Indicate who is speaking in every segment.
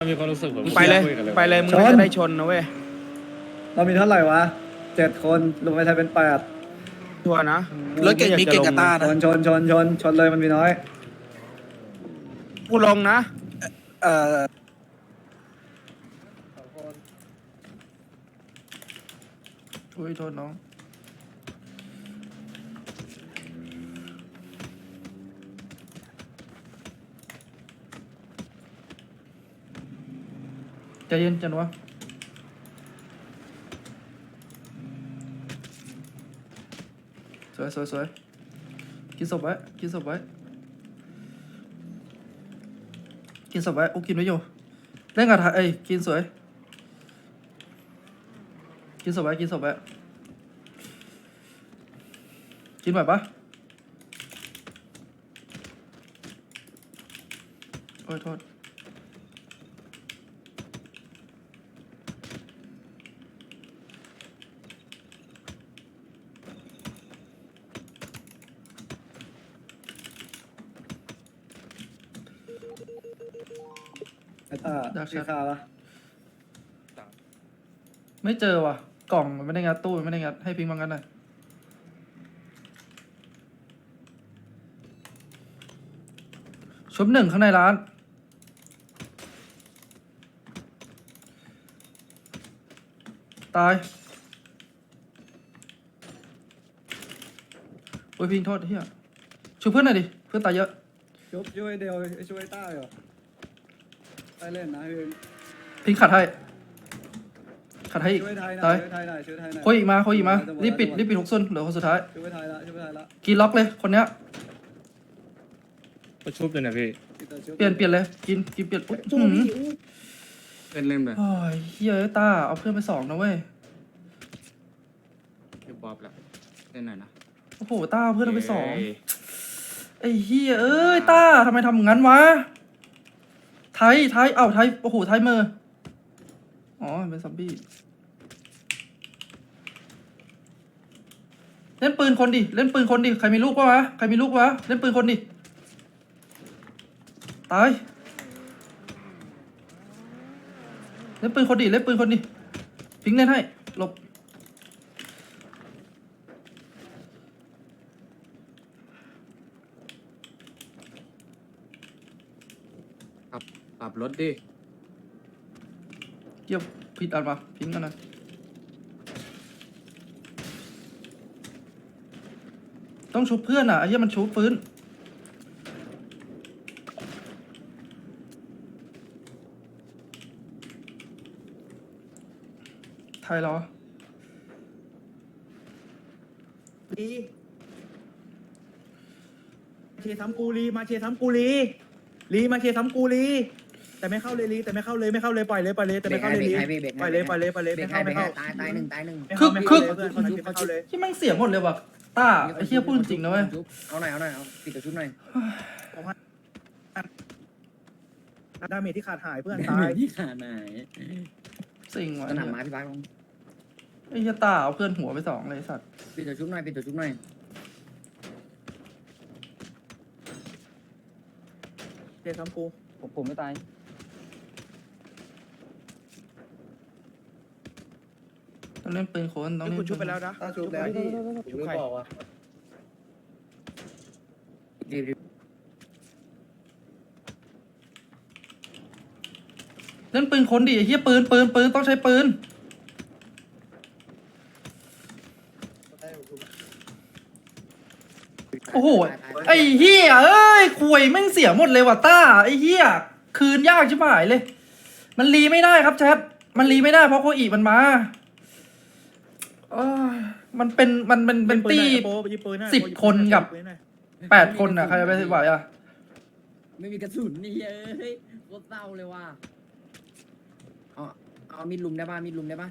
Speaker 1: มีความรู้สึกแบบ
Speaker 2: ไปเลย
Speaker 1: คุกัน
Speaker 2: ไปเลยมึงน่าจะได้ชนนะเว้ย
Speaker 3: เรามีเท่าไหร่วะ7 คนรวมไปไทยเป็น8
Speaker 2: ชัวร์นะ
Speaker 4: รถเก่งมีเก่งกับตา
Speaker 3: ช
Speaker 4: นะ
Speaker 3: นเลยมันมีน้อย
Speaker 2: กูลงนะ
Speaker 4: เอ่อ
Speaker 5: อุ้ยโทษน้องใจเย็นจันวะสวยกินศพไว้กินศพไว้โอ้กินไว้อยู่เล่นกับไทยกินสวยกินศพไว้กินแบบปะโอ้ยโทษ
Speaker 3: ไอ้ตาพี่คาปะ
Speaker 5: ไม่เจอว่ะกล่องมันไม่ได้งัดตู้มันไม่ได้งัดให้พิงค์มางัดหน่อยชุบหนึ่งข้างในร้านตายโอ้ยพิงค์โทษเฮียช่วยเพื่อนหน่อยดิเพื่อนตายเยอะ
Speaker 3: ช่วยเดียวช่วยต้าเหรอได้เล่นนะพี่
Speaker 5: พิงค์ขัดให้อีก
Speaker 3: ช่วยไทยหน่
Speaker 5: ตา
Speaker 3: อย ยช่วยไทยหน่อย
Speaker 5: โคยอีกมารีบปิด6 ซุนเหลือคนสุดท้าย
Speaker 3: ช่วยไทยละ
Speaker 5: กินล็อกเลยคนเนี้ย
Speaker 1: ประชุบเลยนะพี่
Speaker 5: เปลี่ยนเลยกินเปลี่ยนอุ๊ยหืม
Speaker 1: เล่นเลย
Speaker 5: โอ้ยเฮียเอ้ยต้าเอาเพื่อนไป2นะเว้ย
Speaker 1: พี่บ๊อบแล้วเล่นหน่อยนะ
Speaker 5: โอ้โหต้าเอาเพื่อนเอาไป2
Speaker 1: เย้
Speaker 5: ไอ้เฮียเอ้ยต้าทำไมทำงั้นวะไทยโอ้โหไทยมืออ๋อเป็นซอมบี้เล่นปืนคนดิใครมีลูกวะเล่นปืนคนดิตายเล่นปืนคนดิพิงค์เล่นให้หลบ
Speaker 1: ปรับรถดิ
Speaker 5: เกี่ยวผิดอันมาพิงค์กันนะต้องชุบเพื่อนอ่ะไอ้เหี้ยมันชุบฟื้นไทยเหรอ
Speaker 6: ลีเชซ้ำกูลีมาเชซ้ำกูลีมาเชซ้ำกูลีแต่ไม่เข้าเลยลีแต่ไม่เข้าเลยปล่อยเลยแต่ไม่เข้าเลยลีปล่อยเลยไม่เข้า
Speaker 7: ตายหนึ่ง
Speaker 6: ไม่เข้าเลยเพื่อนไม่เข้าเลย
Speaker 5: ที่แม่งเสียหมดเลยว่ะต้าไอ้เหี้ยพูดจริงนะเว้ย
Speaker 7: เอาหน่อยเอาปิดตัวชุบหน่อย
Speaker 6: ดาเมจที่ขาดหายเพื่อนตาย
Speaker 7: ที่ขาไหน
Speaker 5: สิ่งว่ะ
Speaker 7: สนามไม้พี่บ้าลง
Speaker 5: ไอ้เหี้ยต้าเอาเพื่อนหัวไป2เลยไอ้สัตว์
Speaker 7: ปิดตัวชุบหน่อย
Speaker 6: เชซ้ำกู
Speaker 7: ผมไม่ตาย
Speaker 5: ต้องเล่นปืนโคนต้อง
Speaker 6: นี่
Speaker 5: เล่น
Speaker 6: คุณชุบไปแล้วนะ
Speaker 3: ต้าชุบแล้วที่
Speaker 6: ชุบใคร
Speaker 7: รีบ
Speaker 5: เล่นปืนโคนดิไอ้เหี้ยปืนต้องใช้ปืนโอ้โหไอ้เหี้ยเอ้ยคุยแม่งเสียหมดเลยว่ะต้าไอ้เหี้ยคืนยากชิบหายเลย มันรีไม่ได้ครับแชทมันรีไม่ได้เพราะโคอีมันมาเอ้ยมันเป็นตี้10 คนกับ8 คนอ่ะใครจะไปไหวอ่ะ
Speaker 7: ไม่มีกระสุนนี่เอ้ยโคตรเศร้าเลยว่ะเอามีดลุมได้ป่ะ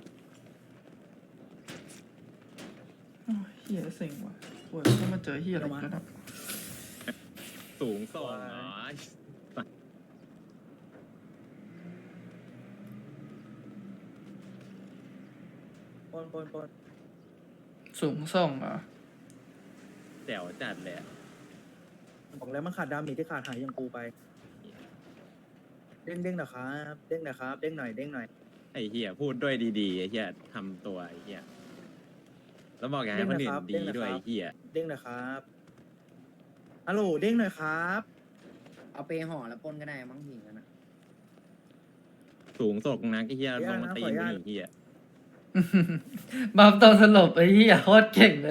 Speaker 5: โอ้ยเฮียเซ็งว่ะโอ้ยต้องมาเจอเฮียอะไรอีกแล้วนะ
Speaker 1: สูงส่งเหรอ
Speaker 6: ปน
Speaker 5: สูงส่งอ่ะ
Speaker 1: แจ๋วจัดเลยอะ
Speaker 6: บอกแล้วมันขาดดาเมจที่ขาดหายอย่างกูไปเด้งหน่อยครับเด้งหน่อยครับเด้งหน่อยเด้งหน่อย
Speaker 1: ไอ้เหี้ยพูดด้วยดีๆไอ้เหี้ยทำตัวไอ้เหี้ยแล้วบอกอย่าให้คนอื่นดีด้วยไอ้เหี้ย
Speaker 6: เด้งหน่อยครับฮัลโหลเด้งหน่อยครับ
Speaker 7: เอาไปห่อแล้วปนก็ได้มั้งหิงกันนะ
Speaker 1: สูงส่งนะไอ้เหี้ยลงมาตีมึงไอ้เหี้ย
Speaker 5: บัฟตอนสลบไอ้เหี้ยโคตรเก่งเลย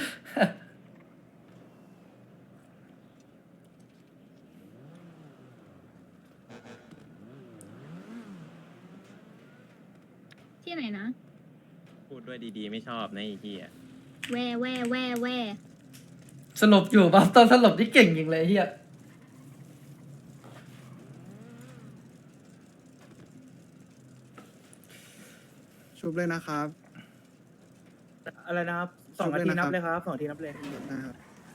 Speaker 8: ที่ไหนนะ
Speaker 1: พูดด้วยดีๆไม่ชอบนะไอ้เหี้ย
Speaker 8: แว่แว่แว่แว่
Speaker 5: สลบอยู่บัฟตอนสลบที่เก่งจริงเลยไอ้เหี้ย
Speaker 3: ชุบเลยนะครับ
Speaker 6: อะไรนะครับ2 นาทีนับเลยครับ2 นาทีนับเลย
Speaker 3: นะครับ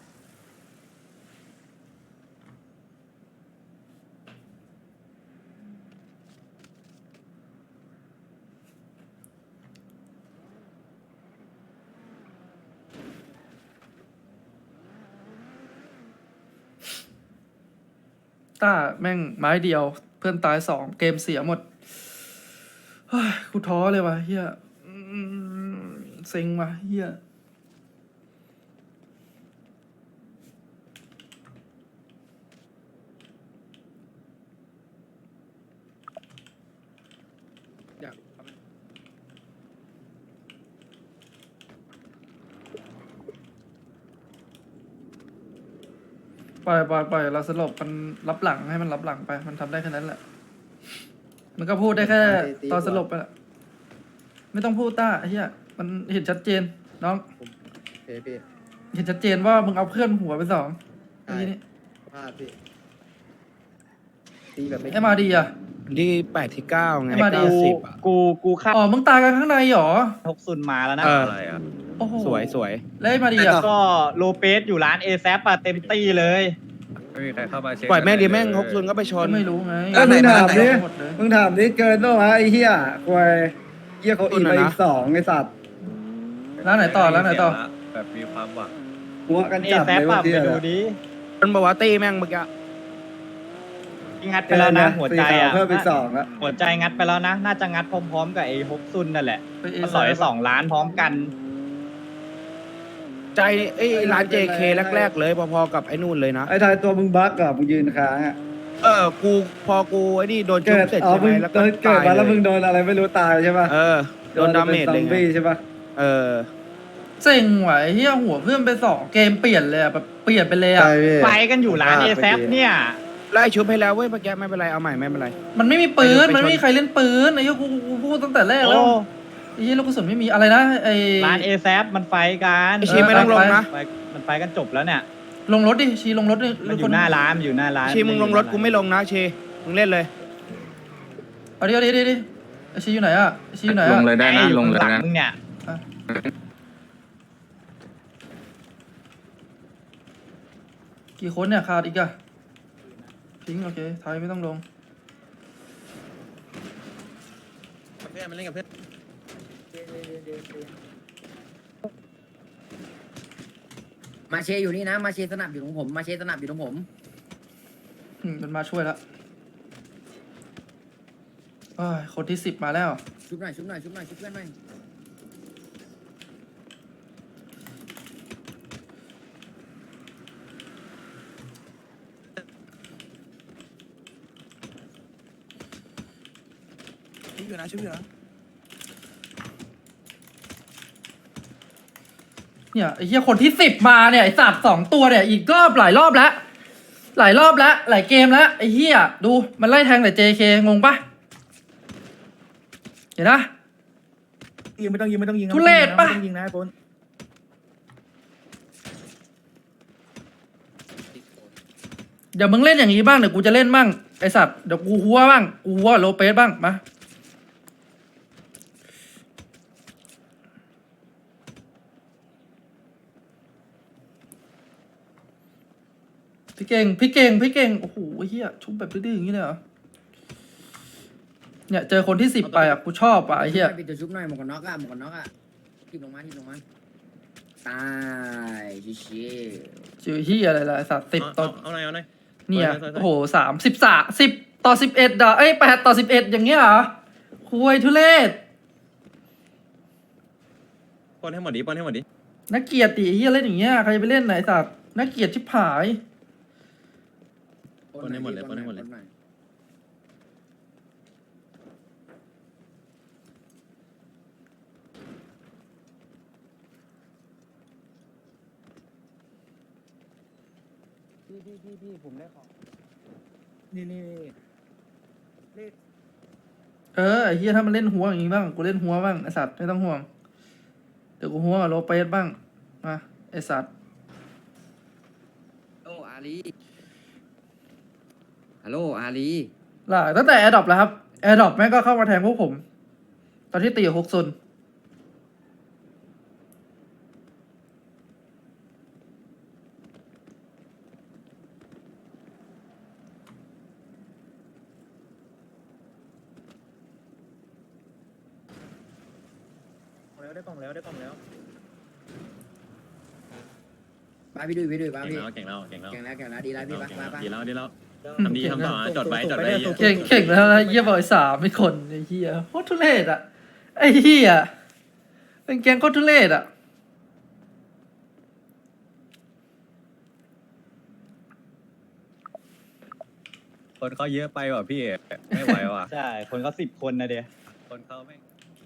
Speaker 5: ต้าแม่งไม้เดียว เพื่อนตาย2เกมเสียหมดเฮ้ยกูท้อเลยว่ะเฮียเซ็งว่ะเฮีย
Speaker 2: อยาก
Speaker 5: ปล่อยเราสลบมันรับหลังให้มันรับหลังไป มันทำได้แค่นั้นแหละ มันก็พูดได้แค่ตอนสลบไปแหละไม่ต้องพูดต้าไอ้เฮียมันเห็นชัดเจนน้อง
Speaker 3: พี่
Speaker 5: เห็นชัดเจนว่ามึงเอาเพื่อนหัวไป2เมื่อกี้นี้
Speaker 3: พลาดพี่ตีแบบไม่
Speaker 5: ไอ้มาดีอ่ะ
Speaker 2: ที่8ที่9ไง
Speaker 5: ให้มาดิ
Speaker 2: 90อ่ะ
Speaker 9: กูคาด
Speaker 5: อ๋อมึงตายกันข้างในเหรอ
Speaker 9: 60มาแล้วนะ
Speaker 2: เออ
Speaker 1: อะไรอ่ะ
Speaker 5: โอ้โห
Speaker 2: สวยสวย
Speaker 5: แล้วไอ้มาดีอ่ะ
Speaker 9: ก็โลเปสอยู่ร้านเอแซปอะเต็มตี้เลย
Speaker 1: ไม่มีใครเข้ามาเช็ค
Speaker 2: ปล่อยแม่งดีแม่ง60ก็ไปชน
Speaker 5: ก็ไม่รู้ไง
Speaker 4: ก็มึงถามดิ
Speaker 5: หมดเลย
Speaker 3: มึงถามนี่เกินด้วยวะไอ้เหี้ยควยเหี้ยเขาอีกไปอีก2ไอ้สัตว์
Speaker 5: ร้านไหนต่อร้านไหนต่อ
Speaker 1: แบบมีความหวัง
Speaker 3: หัวกัน
Speaker 9: เอ
Speaker 3: จับ
Speaker 9: แซ
Speaker 3: เลย
Speaker 9: ป
Speaker 3: ว่า
Speaker 9: อะ
Speaker 3: เหี้
Speaker 9: ไป
Speaker 3: ย
Speaker 9: ดูดิ
Speaker 2: มันบอกว่าตีแม่งเมื่อกี้
Speaker 9: งัดไปแล้วนะ หัวใจอะ
Speaker 3: เพิ่มอีก2แล้ว
Speaker 9: หัวใจงัดไปแล้วนะ น่าจะงัดพร้อมๆกับไอ้ฮกซุนนั่นแหละ
Speaker 5: ไปเอ
Speaker 9: มันต่อย2 ล้านพร้อมกัน
Speaker 2: ใจไอ้ร้าน JK แรกๆเลยพอๆกับไอ้นู่นเลยนะ
Speaker 3: ไอ้ทายตัวมึงบั๊กอะมึงยืนค้างอะ
Speaker 2: กูพอกูไอ้นี่โดนชุ
Speaker 3: เกิ
Speaker 2: บ
Speaker 3: ด
Speaker 2: เสร็จ
Speaker 3: อ๋อ
Speaker 2: ใช่ไห
Speaker 3: มึ
Speaker 2: ม
Speaker 3: ง
Speaker 2: แล้ว
Speaker 3: เกิ
Speaker 2: ก็
Speaker 3: ดเกิดมาแล้วมึงโดนอะไรไม่รู้ตายใช่ปะ
Speaker 2: โดนดาเมจเลย
Speaker 3: ซอม
Speaker 2: ไง
Speaker 3: บี้ใช่ปะ
Speaker 5: เซ็งไหวเฮียหัวเพื่อนไป2เกมเปลี่ยนเลยอะแบบเปลี่ยนไปเลยอะ
Speaker 3: ใช่พี่
Speaker 9: ไฟกันอยู่ร้านเอแซปเนี่ย
Speaker 2: ไล่ชุบให้แล้วเว้ยเมื่อกี้ไม่เป็นไรเอาใหม่ไม่เป็นไร
Speaker 5: มันไม่มีปืน
Speaker 2: ไปชน
Speaker 5: มันไม่มีใครเล่นปืนไอ้เหี้ยกูพูดตั้งแต่แรก
Speaker 9: โอ้
Speaker 5: แล้วไอ้เหี้ยลูกกระสุนไม่มีอะไรนะไอ้
Speaker 9: ร้านเอแซปมันไฟกัน
Speaker 2: ไอ้ชีไม่ต้องลงนะ
Speaker 9: มันไฟกันจบแล้วเนี่ย
Speaker 5: ลงรถดิชีลงรถดิ
Speaker 9: มันอยู่หน้าร้านมันอยู่หน้าร้าน
Speaker 2: ชีมึงลงรถกูไม่ลงนะชีมึงเล่นเลย
Speaker 5: เอาดิไอ้ชีอยู่ไหนอะไอ้ชีอยู่ไหน
Speaker 1: ล
Speaker 5: อะ
Speaker 1: งเลยได้นะ
Speaker 9: ไอ้อยู่
Speaker 1: ลงเลย
Speaker 9: ข้างหลั
Speaker 1: นะ
Speaker 9: งมึงเนี่ย
Speaker 5: กี่คนเนี่ยขาดอีกอะทิ้งโอเคไทยไม่ต้องลง
Speaker 1: เพื่อนมันเล่นกับเพื่อน
Speaker 7: มาเชอยู่นี่นะ มาเชสนับอยู่ตรงผม มาเชสนับอยู่ตรงผม
Speaker 5: มันมาช่วยแล้วเอ้ยคนที่10มาแล้ว
Speaker 7: ชุบหน่อยชุบหน่อยชุบหน่อยชุบเพื่อนหน่อย
Speaker 4: ชุบอยู่นะชุบอยู่นะ
Speaker 5: เนี่ยไอ้เหี้ยคนที่10มาเนี่ยไอ้สัตว์2ตัวเนี่ยอีกหลายรอบแล้วหลายเกมแล้วไอ้เหี้ยดูมันไล่แทงแต่ JK งงปะเห็นนะ
Speaker 6: ยิงไม่ต้องยิงไม่ต้องยิง
Speaker 5: ทุเรศปะ
Speaker 6: ไม่ต้องยิงนะไอ้ปน
Speaker 5: เดี๋ยวมึงเล่นอย่างนี้บ้างเดี๋ยวกูจะเล่นบ้างไอสัตว์เดี๋ยวกูหัวบ้างกูหัวโลเปสบ้างมาพี่เก่งโอ้โหเฮียชุบแบบดื้อๆอย่างนี้เลยเหรอเนี่ยเจอคนที่10ไปอ่ะกูชอบอ่ะไอ้เฮีย
Speaker 7: ปิดตัวชุบหน่อยหมวกกันน็อกอะหมวกกันน็อกอะทิบลงมาตายชิชิ
Speaker 5: ชื่อเฮียอะไรล่ะไอ้สัตว์10ตอน
Speaker 1: เอาหน่อย
Speaker 5: เนี่ย
Speaker 1: ถอย
Speaker 5: โอ้โห30 ต่อ11อ่ะ8ต่อ11อย่างเงี้ยเหรอคุยทุเรศ
Speaker 1: ปล้นให้หมดดิปล้นให้หมดดิ
Speaker 5: นักเกียรติเฮียเล่นอย่างเงี้ยใครจะไปเล่นไหนสัตว์นักเกียรติชิบหาย
Speaker 1: ปล้นให้หมดเลยปล้นให้หมดเลย
Speaker 2: พี่ผมได้ของ
Speaker 6: นี่เลข
Speaker 5: ไอ้เฮียถ้ามันเล่นหัวอย่างงี้บ้างกูเล่นหัวบ้างไอสัตว์ไม่ต้องห่วงเดี๋ยวกูหัวกับโลเปสบ้างมาไอสัตว์
Speaker 7: โอ้อาลีฮัลโหลอาลี
Speaker 5: ล่ะตั้งแต่แอร์ดรอปแล้วครับแอร์ดรอปแม่งก็เข้ามาแทงพวกผม ตอนที่ตีกับฮกซุน
Speaker 6: ได้กล่องแล้วได้กล่องแล้ว
Speaker 7: ไปพี่ดุยไป
Speaker 1: เก่ง
Speaker 7: พี่
Speaker 1: แล้วเก่งแล้วเก่งแล้ว
Speaker 7: แข่งแล้วดีแล้วพี่ไป
Speaker 1: ดีแล้วดีแล้วทำดีทำต่อจดไว้จดไว้
Speaker 5: เก่งแล้วนะเฮียบอย3ไม่คนไอ้เฮียโคตรทุเรศอ่ะไอ้เฮียเป็นแกงโคตรทุเรศอ่ะ
Speaker 10: คนเขาเยอะไปว่ะพี่ไม่ไหวว่ะ
Speaker 9: ใช่ คนเขา10 คนนะเดีย
Speaker 10: คนเขาไม่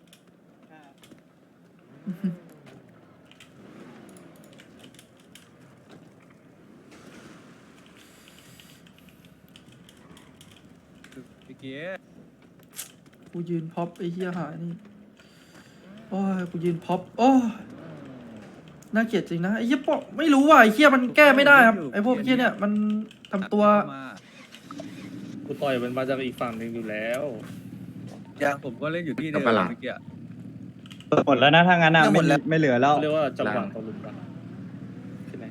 Speaker 10: พี่เกียร์
Speaker 5: กูยืนพ็อปไอ้เฮียหายนี่โอ้ยกูยืนพ็อปโอ้ยน่าเกลียดจริงนะไอ้เฮียปะไม่รู้ว่ะไอ้เฮียมันแก้ไม่ได้ครับไอ้พวกเฮียเนี่ยมันทำตัว
Speaker 2: กูต่อยมันมาจากอีกฝั่งหนึ่งอยู่แล้ว
Speaker 10: ยังผมก็เล่นอยู่ที่เดิมเมื่อกี้
Speaker 9: หมดแล้วนะถ้างั้นอ่ะไม่เหลือแล้ว
Speaker 2: เขาเรียกว่าจังหวะตะลุมกันใช่ไหม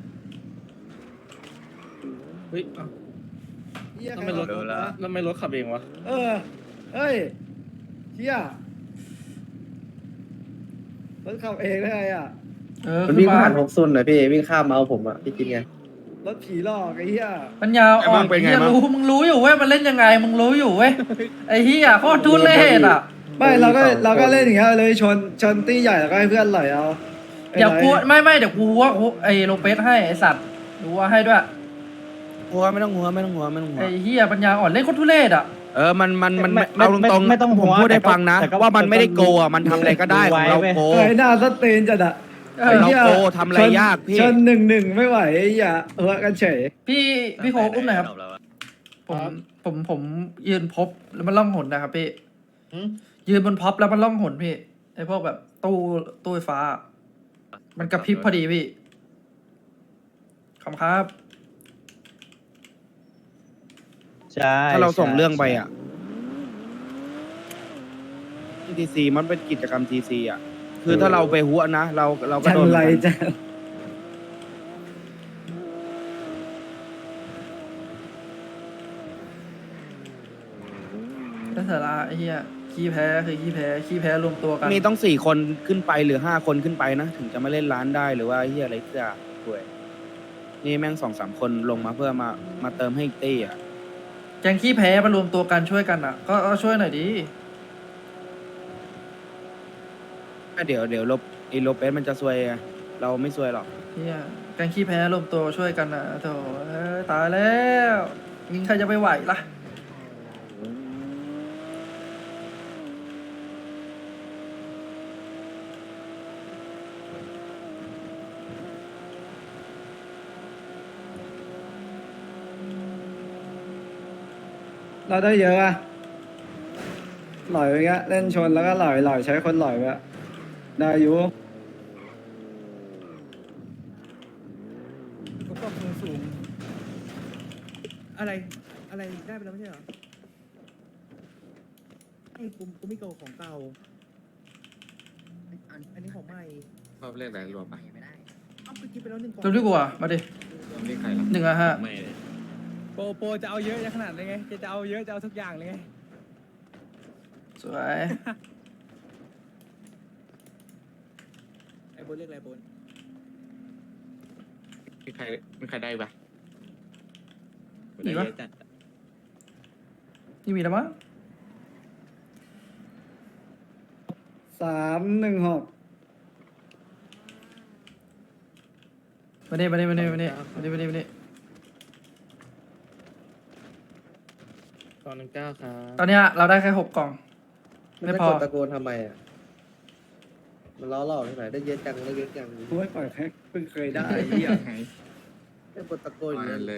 Speaker 2: เฮ้ยเอ้าทำไมรถขับเองวะ
Speaker 3: เฮ้ยเฮียรถขับเองได้ไงอ่ะ
Speaker 5: มันวิ่งผ่าน
Speaker 2: ซุนเลยพี่วิ่งข้ามมาเอาผมอ่ะพี่กินไง
Speaker 3: รถผีหลอกไอ้เฮีย
Speaker 5: ปัญญาอ่อนไอ้เฮียรู้มึงรู้อยู่เว้ยมันเล่นยังไงมึงรู้อยู่เว้ยไอ้เฮียโคตรทุเรศอ่ะ
Speaker 3: ไม่เราก็เล่นอย่างเงี้ยเลยชนตี้ใหญ่แล้วก็ให้เพื่อนไหลเอา
Speaker 5: เดี๋ยวกูไม่เดี๋ยวกูว่าไอ้โลเปสให้ไอ้สัตว์ดูว่าให้ด้วย
Speaker 2: หัวไม่ต้องหัว
Speaker 5: ไอ้เฮียปัญญาอ่อนเล่นโคตรทุเรศอ่ะ
Speaker 2: มันเอาตรงๆ
Speaker 9: ไม่ต้อง
Speaker 2: ผมพูดให้ฟังนะ
Speaker 9: แต่ก็
Speaker 2: ว่ามันไม่ได้โกอ่ะมันทำอะไรก็ได้ของเราโก
Speaker 3: ไอ้หน้าสเตนจัดอะ
Speaker 2: เราโกทำอะไรยากพี่
Speaker 3: ชน1-1ไม่ไหวไอ้เหี้ยกันเฉย
Speaker 5: พี่โคอุ้มหน่อยครับผมยืนพบแล้วมันล่องหนนะครับพี่ยืนบนพ็อปแล้วมันล่องหนพี่ไอ้พวกแบบตู้ไฟฟ้า มันกระพริบพอดีพี่ขอบคุณครับ
Speaker 9: ใช่
Speaker 2: ถ้าเราส่งเรื่องไปอ่ะ TC มันเป็นกิจกรรม TC อ่ะ คือถ้าเราไปหัวนะเราก็
Speaker 3: จัน
Speaker 2: โดน
Speaker 3: ไรจัน
Speaker 5: ถ้าสาระไอ้เหี้ยขี้แพ้คือขี้แพ้รวมตัวกัน
Speaker 2: มีต้อง4 คนขึ้นไปหรือ5 คนขึ้นไปนะ ถึงจะมาเล่นร้านได้หรือว่าเฮียอะไรก็ด้วยนี่แม่ง2-3 คนลงมาเพื่อมาเติมให้อีกตี้อ่ะ
Speaker 5: แกงขี้แพ้มารวมตัวกันช่วยกันอ่ะ ก็ช่วยหน่อยดิ
Speaker 2: เดี๋ยวโลเปสมันจะซวยไงเราไม่ซวยหรอก
Speaker 5: เหี้ยแกงขี้แพ้รวมตัวช่วยกันอ่ะโถตายแล้วยิงใครจะไปไหวล่ะ
Speaker 3: เราได้เยอะอะหล่อยไปเงี้ยเล่นชนแล้วก็หล่อยใช้คนหล่อยไปอะได้อยู่
Speaker 6: ก็ปรับสูงอะไรได้ไปแล้วไม่ใช่เหรอไอ้กูไม่เก่าของเก่าอันนี้ของใหม่
Speaker 10: ชอบเล่นอะไรรวมไป
Speaker 6: เอ้าไปกินไปแล้ว1 กล่อง
Speaker 5: ตัวที่กูอ่ะมาดิ
Speaker 10: นี่ใครล่ะ
Speaker 5: 1-5
Speaker 1: ไม่เลย
Speaker 4: โปจะเอาเยอะขนาดเลยไงจะเอาเยอะจะเอาทุกอย่างเลยไง
Speaker 5: สวย
Speaker 6: ไอ้โบนเรียกอะไรโบน
Speaker 10: มีใครได้ปะ
Speaker 5: มีปะนี่มีแล้วมั้ง
Speaker 3: 316
Speaker 5: มาเนี่ยมาเนี่ยมาเนี่ยมาเนี่ยมาเนี่ยมาเนี่ยมาเนี่ย
Speaker 6: ตอน9ครับ
Speaker 5: ตอนเนี้ยเราได้แค่6 กล่อง ไม่พอ
Speaker 6: ตะโกนทำไมอ่ะมันล้อหลอกที่ไหนได้เยอะจังได้เยอะจัง
Speaker 3: โอ้ยปล่อยแพ็คเพิ่งเคยได้ไอ้เหี้ย
Speaker 6: ได้กดตะโกนอย่างนั้นเลย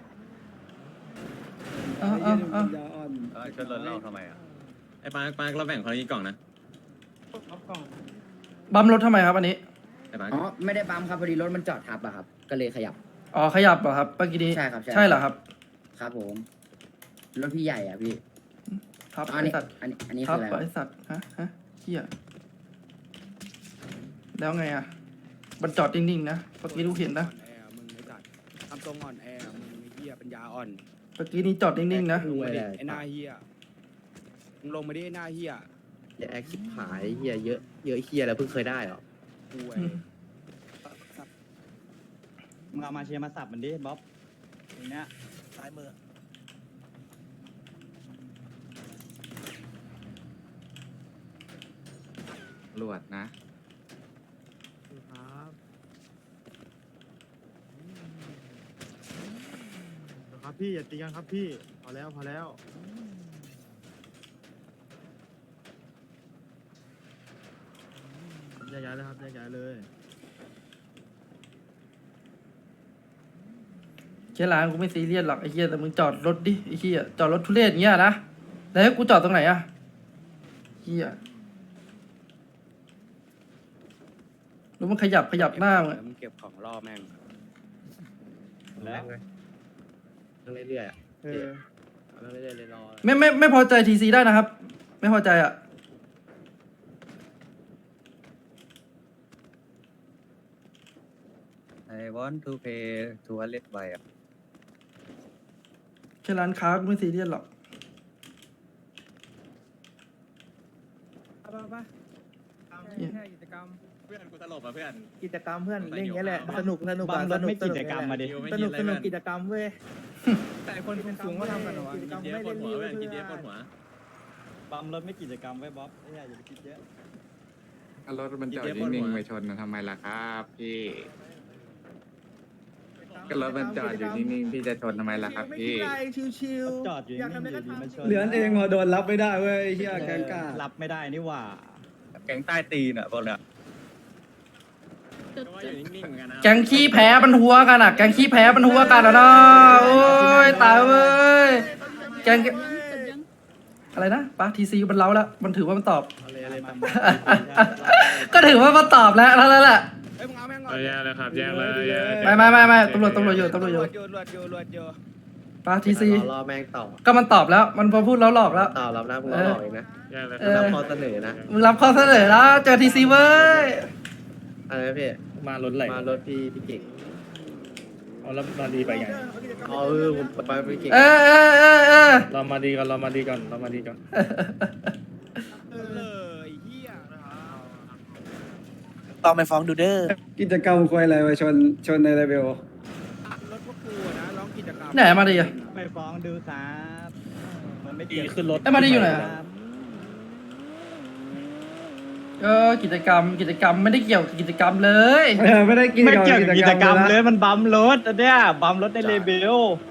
Speaker 5: เอ้า
Speaker 3: ไอ้
Speaker 5: เอ้า
Speaker 3: เหี้ย
Speaker 5: เอ้า
Speaker 3: ปัญญาอ่อน
Speaker 10: ชนรถเราทำไมอ่ะ
Speaker 1: ไอ้ปาร์คเราแบ่งคนละกี่กล่องนะ
Speaker 5: บัมรถทำไมครับอันนี้
Speaker 1: ไอ้ปาร์ค
Speaker 7: อ๋อไม่ได้ปั๊มครับพอดีรถมันจอดทับอะครับ ก็เลยขยับ
Speaker 5: อ๋อขยับเหรอครับเมื่อกี้นี้
Speaker 7: ใช่ครับใช่
Speaker 5: ใช่เหรอครับ
Speaker 7: ครับผม รถพี่ใหญ่อ่ะพี่
Speaker 5: ทับ
Speaker 7: อัน
Speaker 5: ไอ
Speaker 7: นี้
Speaker 5: สัตว์
Speaker 7: อันนี้
Speaker 5: ทั
Speaker 7: คื
Speaker 5: บ
Speaker 7: ออะไร
Speaker 5: ไอสัตว์ฮะเฮียแล้วไงอ่ะมันจอดนิ่งๆนะเมื่อกี้ลูกเห็นนะ
Speaker 2: อ่อนแอมึงไอ้สัตว์ทำทรงอ่อนแอมึงไอ้เหี้ยปัญญาอ่อน
Speaker 5: เมื่อกี้นี้จอดนิ่งๆนะ
Speaker 2: ลงมาดิไอ้หน้าเหี้ยมึงลงมาดิไอ้หน้าเหี้ย
Speaker 6: อย่าแอคชิบหายเฮียเยอะเยอะเฮียแล้วเพิ่งเคยได้หรอ
Speaker 2: ป่วย
Speaker 5: อืม
Speaker 9: มึงเอามาเชียร์มาสับมันดิบ๊อบอย่างเนี้ย
Speaker 4: ซ้ายมือ
Speaker 10: รวดนะ
Speaker 6: ครับพี่อย่าตีกันครับพี่พอแล้วพอแล้วแยกย้ายเลยครับแยกย้ายเลย
Speaker 5: แค่ร้านกูไม่ซีเรียสหรอกไอ้เหี้ยแต่มึงจอดรถดิไอ้เหี้ยจอดรถทุเรศอย่างเงี้ยนะแล้วให้กูจอดตรงไหนอ่ะเหี้ยแล้วมันขยับหน้ามึงอะ
Speaker 2: มึงเก็บของล่อแม่ง
Speaker 9: แล้ว
Speaker 6: นั่งเรื่อยๆอ่ะนั่งเรื่อยๆเลยรอ
Speaker 5: ไม่พอใจทีซีได้นะครับ ไม่พอใจอ่ะ
Speaker 10: I want to pay to a let by อ่ะ
Speaker 5: แค่ร้านค้ากูไม่ซีเรียสหรอก
Speaker 4: ไปกิจกรรม
Speaker 1: เพื่อนกูตลบอ่ะเพื่อน
Speaker 6: กิจกรรมเพื่อนเล่นอย่างเงี้ยแหละสนุกสนุก
Speaker 9: บัมรถไม่กิจกรรมมาดิ
Speaker 6: สนุกสนุกกิจกรรมเว้ย
Speaker 4: แต่คนสูงก็ทำกันเหรอวะ
Speaker 6: กิจกรรม
Speaker 1: กินเดีย
Speaker 6: ไม่
Speaker 1: ปว
Speaker 6: เล่
Speaker 1: ด
Speaker 6: น
Speaker 1: หัว
Speaker 6: รี
Speaker 1: เพื่อนกินเดียปวดหัว
Speaker 9: บัมรถไม่กิจกรรมไว้บ๊อบไอ้เหี้ยอย่าไปคิดเยอะ
Speaker 10: รถมันจอดนิ่งๆไปชนทำไมล่ะครับพี่ก็รถมันจอดอยู่นิ่งๆพี่จะชนทำไมล่ะครับ
Speaker 6: ไม่
Speaker 10: พี่
Speaker 6: คิดอะไรชิว
Speaker 9: จอดอยู่
Speaker 6: อยาก
Speaker 9: นิ่
Speaker 6: ทำ
Speaker 9: ง
Speaker 6: อะไร
Speaker 9: ๆอ
Speaker 6: ก็
Speaker 9: ยู่ดี
Speaker 6: ทำ
Speaker 9: มาชน
Speaker 3: เหลือนเองพอโดนรับไม่ได้เว้ยไอ้เหี้ยแกงกา
Speaker 9: รับไม่ได้นี่หว่า
Speaker 10: แก๊งใต้ตีนอ่ะพวกเนี้ย
Speaker 8: จุด
Speaker 1: ก็ว่าอ
Speaker 8: จุด
Speaker 1: ยู่นิ่งๆเหมือนกันนะ
Speaker 5: แกงขี้แพ้มันหัวกันอ่ะ แกงขี้แพ้มันหัวกันอ่ะเนาะโอ้ยตายเว้ย แกง
Speaker 8: จุดยัง
Speaker 5: อะไรนะป้าทีซีมันเล้าแล้ว มันถือว่ามันตอบ
Speaker 6: อะไรอะไรตาม
Speaker 5: ก็ถือว่ามันตอบแล้วแล้วแหละ
Speaker 2: เอ้ยมึงเอาแม่งก่อน
Speaker 1: แยกเลยครับแยกเลย
Speaker 5: ไม่ตำรวจอยู่
Speaker 2: ตำรวจอยู่
Speaker 5: ป้าทีซี
Speaker 6: รอแม่งต่อ
Speaker 5: ก็มันตอบแล้ว มันพอพูดแล้วหลอกแล้ว
Speaker 6: ต่อรับนะพวกเราหลอกเองนะ
Speaker 1: แยกเลย
Speaker 5: เอ
Speaker 6: รับ
Speaker 5: อ
Speaker 6: ข้อเสนอนะ
Speaker 5: มึงรับข้อเสนอแล้วเจอทีซีเว้ย
Speaker 6: อะไรนะพี่
Speaker 1: มารถไหล
Speaker 6: มารถพี่เก่ง
Speaker 1: เอาแล้วมาดีไปไง
Speaker 6: อ๋อผมไปพี่เก่ง
Speaker 5: เออ
Speaker 1: เรามาดีก่อนเรามาดีก่อน
Speaker 2: เออไอ้เหี้ย
Speaker 4: ต้องไปฟ้องดูเด้อ
Speaker 3: กิจกรรมควยอะไรวะชนในเลเวล
Speaker 2: รถพวกกูอะนะร้องกิจกรรม
Speaker 5: ไหนมาดิอ่ะ
Speaker 9: ไปฟ้องดูครับมันไม่เกี่ยว
Speaker 1: ขึ้นรถ
Speaker 5: ไอ้มาดิอยู่ไหน
Speaker 9: ครับ
Speaker 5: กิจกรรมไม่ได้เกี่ยวกับกิจกรรมเลย
Speaker 3: ไม่ได้กิจ
Speaker 9: ไม่
Speaker 3: กรรม
Speaker 9: เกี่ยวกับกิจกรรม
Speaker 3: นะ
Speaker 9: เลยมันบัมรถอันเนี้ยบัมรถในเลเบล